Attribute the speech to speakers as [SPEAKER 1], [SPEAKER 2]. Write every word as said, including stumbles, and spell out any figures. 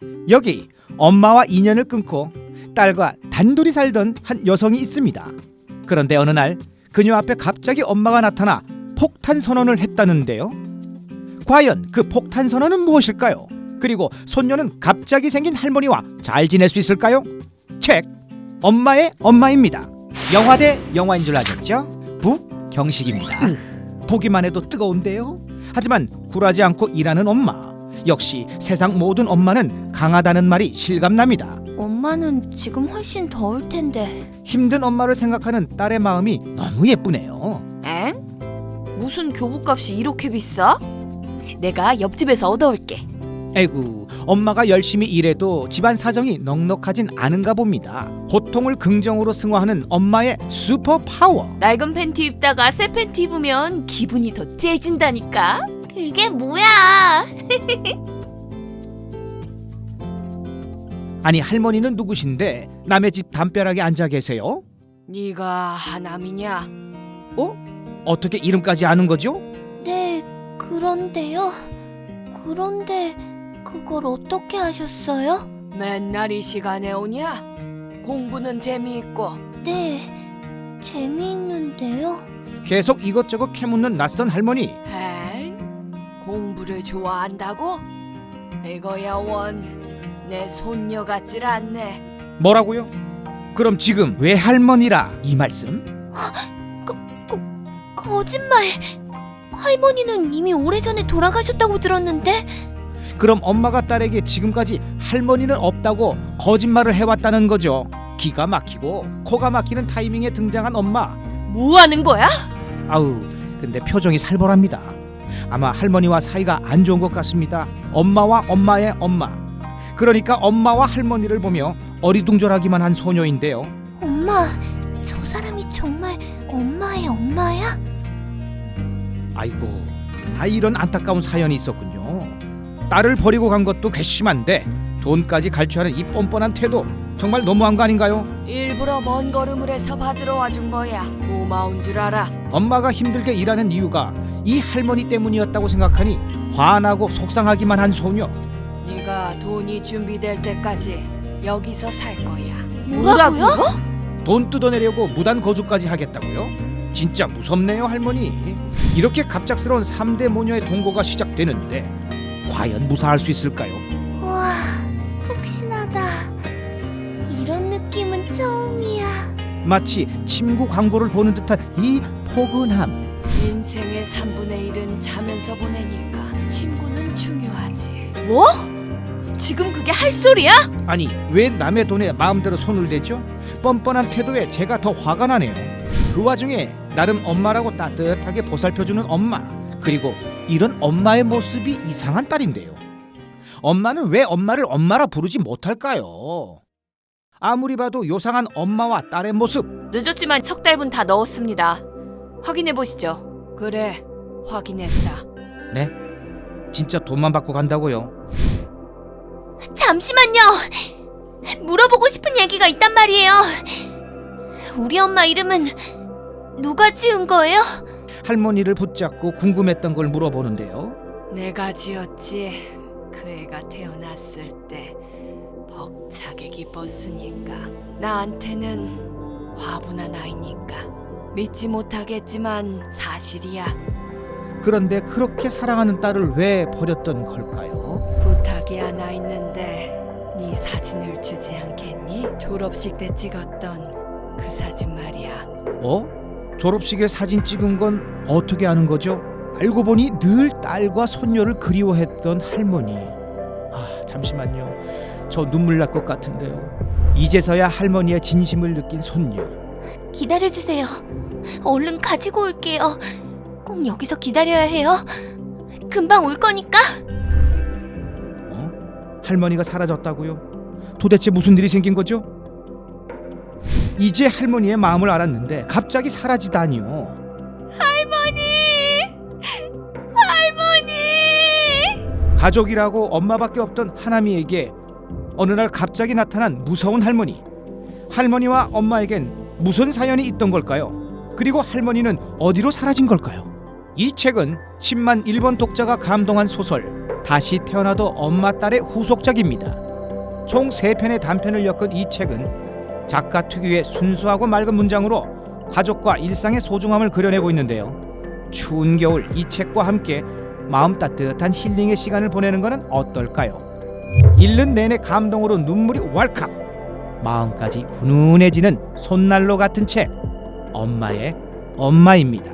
[SPEAKER 1] 여기 엄마와 인연을 끊고 딸과 단둘이 살던 한 여성이 있습니다. 그런데 어느 날 그녀 앞에 갑자기 엄마가 나타나 폭탄 선언을 했다는데요. 과연 그 폭탄 선언은 무엇일까요? 그리고 손녀는 갑자기 생긴 할머니와 잘 지낼 수 있을까요? 책 엄마의 엄마입니다. 영화 대 영화인 줄 아셨죠? 북경식입니다. 보기만 해도 뜨거운데요. 하지만 굴하지 않고 일하는 엄마. 역시 세상 모든 엄마는 강하다는 말이 실감납니다.
[SPEAKER 2] 엄마는 지금 훨씬 더울 텐데.
[SPEAKER 1] 힘든 엄마를 생각하는 딸의 마음이 너무 예쁘네요.
[SPEAKER 2] 엥? 무슨 교복값이 이렇게 비싸? 내가 옆집에서 얻어올게.
[SPEAKER 1] 에구, 엄마가 열심히 일해도 집안 사정이 넉넉하진 않은가 봅니다. 고통을 긍정으로 승화하는 엄마의 슈퍼 파워.
[SPEAKER 2] 낡은 팬티 입다가 새 팬티 입으면 기분이 더 째진다니까. 그게 뭐야?
[SPEAKER 1] 아니, 할머니는 누구신데 남의 집 담벼락에 앉아 계세요?
[SPEAKER 2] 네가 하남이냐?
[SPEAKER 1] 어? 어떻게 이름까지 아는 거죠?
[SPEAKER 2] 네, 그런데요. 그런데 그걸 어떻게 하셨어요? 맨날 이 시간에 오냐? 공부는 재미있고. 네, 재미있는데요.
[SPEAKER 1] 계속 이것저것 캐묻는 낯선 할머니.
[SPEAKER 2] 엥? 공부를 좋아한다고? 이거야 원, 내 손녀 같질 않네.
[SPEAKER 1] 뭐라고요? 그럼 지금 왜 할머니라 이 말씀?
[SPEAKER 2] 거, 거, 거짓말. 할머니는 이미 오래전에 돌아가셨다고 들었는데.
[SPEAKER 1] 그럼 엄마가 딸에게 지금까지 할머니는 없다고 거짓말을 해왔다는 거죠. 기가 막히고 코가 막히는 타이밍에 등장한 엄마.
[SPEAKER 2] 뭐 하는 거야?
[SPEAKER 1] 아우, 근데 표정이 살벌합니다. 아마 할머니와 사이가 안 좋은 것 같습니다. 엄마와 엄마의 엄마. 그러니까 엄마와 할머니를 보며 어리둥절하기만 한 소녀인데요.
[SPEAKER 2] 엄마, 저 사람이 정말 엄마의 엄마야?
[SPEAKER 1] 아이고, 아 이런 안타까운 사연이 있었군요. 딸을 버리고 간 것도 괘씸한데 돈까지 갈취하는 이 뻔뻔한 태도 정말 너무한 거 아닌가요?
[SPEAKER 2] 일부러 먼 걸음을 해서 받으러 와준 거야. 고마운 줄 알아.
[SPEAKER 1] 엄마가 힘들게 일하는 이유가 이 할머니 때문이었다고 생각하니 화나고 속상하기만 한 소녀.
[SPEAKER 2] 네가 돈이 준비될 때까지 여기서 살 거야.
[SPEAKER 3] 뭐라고요?
[SPEAKER 1] 돈 뜯어내려고 무단 거주까지 하겠다고요? 진짜 무섭네요, 할머니. 이렇게 갑작스러운 삼 대 모녀의 동거가 시작되는데 과연 무사할 수 있을까요?
[SPEAKER 3] 와, 푹신하다. 이런 느낌은 처음이야.
[SPEAKER 1] 마치 침구 광고를 보는 듯한 이 포근함.
[SPEAKER 2] 인생의 삼분의 일은 자면서 보내니까 친구는 중요하지. 뭐? 지금 그게 할 소리야?
[SPEAKER 1] 아니, 왜 남의 돈에 마음대로 손을 대죠? 뻔뻔한 태도에 제가 더 화가 나네요. 그 와중에 나름 엄마라고 따뜻하게 보살펴주는 엄마. 그리고 이런 엄마의 모습이 이상한 딸인데요. 엄마는 왜 엄마를 엄마라 부르지 못할까요? 아무리 봐도 요상한 엄마와 딸의 모습.
[SPEAKER 2] 늦었지만 석 달분 다 넣었습니다. 확인해 보시죠. 그래, 확인했다.
[SPEAKER 1] 네? 진짜 돈만 받고 간다고요?
[SPEAKER 3] 잠시만요. 물어보고 싶은 얘기가 있단 말이에요. 우리 엄마 이름은 누가 지은 거예요?
[SPEAKER 1] 할머니를 붙잡고 궁금했던 걸 물어보는데요.
[SPEAKER 2] 내가 지었지. 그 애가 태어났을 때 벅차게 기뻤으니까. 나한테는 과분한 아이니까. 믿지 못하겠지만 사실이야.
[SPEAKER 1] 그런데 그렇게 사랑하는 딸을 왜 버렸던 걸까요?
[SPEAKER 2] 부탁이 하나 있는데 네 사진을 주지 않겠니? 졸업식 때 찍었던 그 사진 말이야.
[SPEAKER 1] 어? 졸업식에 사진 찍은 건 어떻게 아는 거죠? 알고 보니 늘 딸과 손녀를 그리워했던 할머니. 아, 잠시만요. 저 눈물 날 것 같은데요. 이제서야 할머니의 진심을 느낀 손녀.
[SPEAKER 3] 기다려주세요. 얼른 가지고 올게요. 꼭 여기서 기다려야 해요. 금방 올 거니까.
[SPEAKER 1] 어? 할머니가 사라졌다고요? 도대체 무슨 일이 생긴 거죠? 이제 할머니의 마음을 알았는데 갑자기 사라지다니요.
[SPEAKER 3] 할머니! 할머니!
[SPEAKER 1] 가족이라고 엄마밖에 없던 하나미에게 어느 날 갑자기 나타난 무서운 할머니. 할머니와 엄마에겐 무슨 사연이 있던 걸까요? 그리고 할머니는 어디로 사라진 걸까요? 이 책은 십만 일 번 독자가 감동한 소설 다시 태어나도 엄마 딸의 후속작입니다. 총 세 편의 단편을 엮은 이 책은 작가 특유의 순수하고 맑은 문장으로 가족과 일상의 소중함을 그려내고 있는데요. 추운 겨울 이 책과 함께 마음 따뜻한 힐링의 시간을 보내는 것은 어떨까요? 읽는 내내 감동으로 눈물이 왈칵, 마음까지 훈훈해지는 손난로 같은 책, 엄마의 엄마입니다.